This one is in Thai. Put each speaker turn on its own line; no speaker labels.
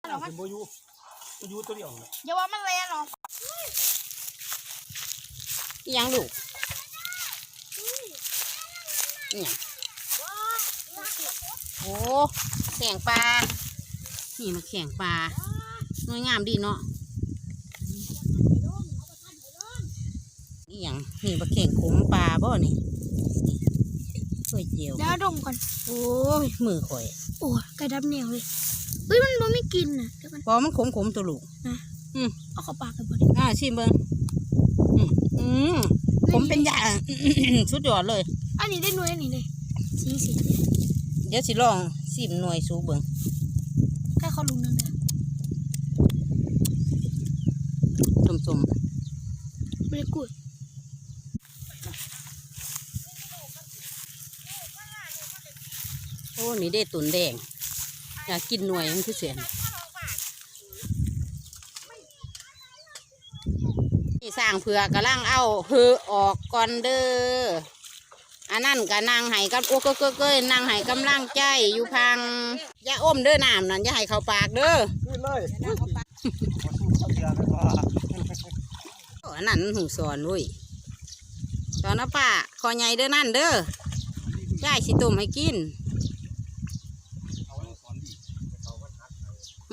หรอมันโบยูตัวเดียวเลย
อย่าว่ามันแรงหรอ
ยังลูกเนี่ยโอ้แข่งปลานี่มาแข่งปลาสวยงามดีเนาะอย่างนี่มาแข่งขมปลาบ่นี่สวยเจียว
เดี๋ยวดมก่อน
โอ้ยมือข่อย
โอ้ไก่ดำเหนียวเลยเฮ้ยมันไม่กินนะเดี๋ยวกัน
พอมันขมตัวลูก
นะเอาเข้าปากกันบ่ดิ
ชิมเบิ้งผมเป็นยาสุดยอดเลย
อันนี้ได้หน่วยอันนี้เลยสี
เดี๋ยวสิลองซิมหน่วยสูเบิ้ง
แค่เขาลุงนึงเด้
อส้ม
ไม่ได้กูด
โอ้นี่ได้ตุ่นแดงอยากกินหน่วยมันคือเสียนนี่สร้างเผือกกำลังเอาเหือออกก่อนเด้ออันนั่นกับนางไห้กับโอ้เก้ยนางไห้กำลังใจอยู่พังอย่าอมเด้อน้ำนั่นอย่าให้เข้าปากเด้อ
ขึ้นเลย
อันนั้นหูสอนวุ้ยสอนนะป้าคอใหญ่เด้อนั่นเด้อยายสิต้มให้กิน